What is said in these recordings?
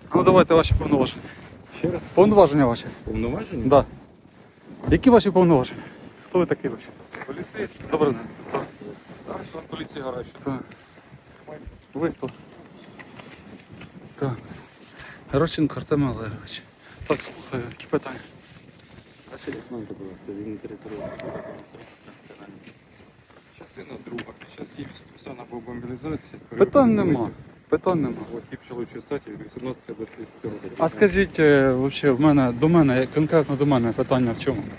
Ну давайте ваші повноваження. Ще раз. Повноваження ваші. Повноваження? Да. Які ваші повноваження? Хто ви такий вообще? Поліцейський. Добрий день. Так. Старший лейтенант поліції Гаращик. Так. Ви хто? Так. Геращенко Артем Олегович. Так, слухаю, які питання? Старший лейтенант, будь ласка, він території частина друга. Під час дії військового або мобілізації. Питань нема. Питань нема. Осіб чоловічої статі від 18 до 60 років. А скажіть, вообще, до мене, конкретно до мене питання в чому?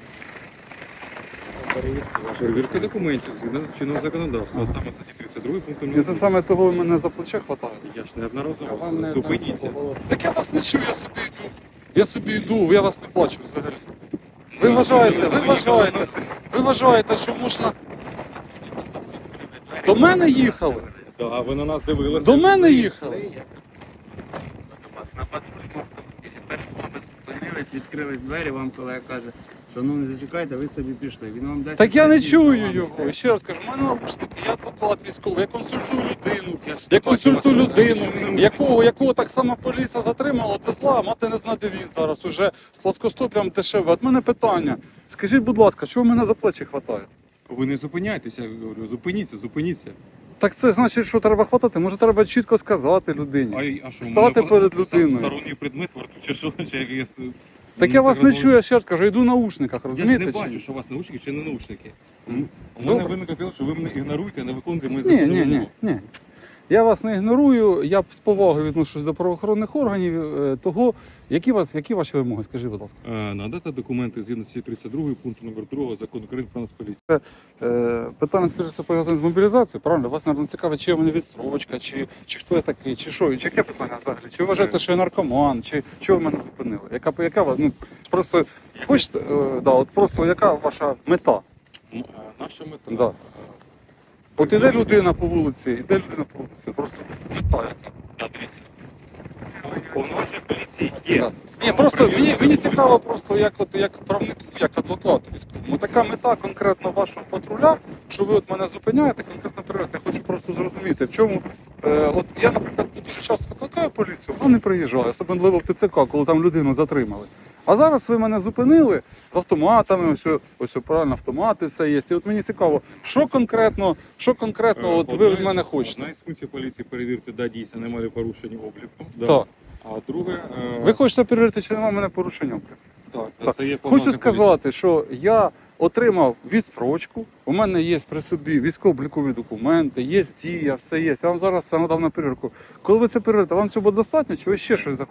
Перевірка документів згідно чинного законодавства, саме статті 32 пункту І це саме того ви мене за плече хватає? Я ж неодноразово. Зупиніться. Так я вас не чую, я собі йду. Я собі йду, я вас не бачу взагалі. Ви вважаєте, що можна... До мене їхали? Так, ви на нас дивилися. До мене їхали? На патрульному автомобілі перед вами зупинились, відкрились двері, вам колега каже, що ну не зачекайте, ви собі пішли. Він вам дасть... Так я не відповідь, чую що вам його. І не ще раз кажу, в мене наушники, я адвокат військовий, я консультую людину. Я консультую людину, якого так само поліція затримала, отвезла, а мати не знає, де він зараз уже з плоскостоп'ям дешеве. От мене питання. Скажіть, будь ласка, чого мене за плечі хватає? Ви не зупиняйтеся, я говорю, зупиніться. Так це значить, що треба хватати? Може треба чітко сказати людині? А що, Стати перед людиною. Сторонній предмет варту, чи що? Так я вас не чую, я ще раз кажу, я йду в наушниках, Я ж розумієте? не чи бачу, ні? що у вас наушники чи не наушники. У Добре. мене виник апел, що ви мене ігноруєте, не виконуєте мої Ні. Я вас не ігнорую, я з повагою відношусь до правоохоронних органів. Того, які ваші вимоги, скажіть, будь ласка. Надати документи згідно статті 32 пункту номер 2 закону України про нас поліцію. Питання, скажімо, пов'язане з мобілізацією, правильно? Вас, мабуть, цікавить, чи я в мене відстрочка, чи хто я такий, чи що, чи яке питання взагалі? Чи ви вважаєте, що я наркоман, чи чого ви мене зупинили? Яка вас, ну, просто, хочете, от просто, яка ваша мета? Наша мета. Да. От іде людина по вулиці, просто мета яка. Повноваження поліції є. Да. Ні, просто мені цікаво просто як правнику, як адвокату військовому. Така мета конкретно вашого патруля, що ви от мене зупиняєте, конкретно перевіряєте. Я хочу просто зрозуміти, в чому. От я, наприклад, дуже часто викликаю поліцію, вона не приїжджає, особливо в ТЦК, коли там людину затримали. А зараз ви мене зупинили з автоматами, ось правильно, автомати все є. І от мені цікаво, що конкретно от ви від мене хочете? Одна із функцій поліції перевірити, да, дійсно немає порушень обліку. Да. Так. А друге, Ви хочете перевірити, чи немає мене порушення? так, це є Хочу повноваження сказати, що я отримав відстрочку, у мене є при собі військово-облікові документи, є дія, все є. Я вам зараз це надав на перевірку. Коли ви це перевірите, вам цього достатньо, чи ви ще щось захочете?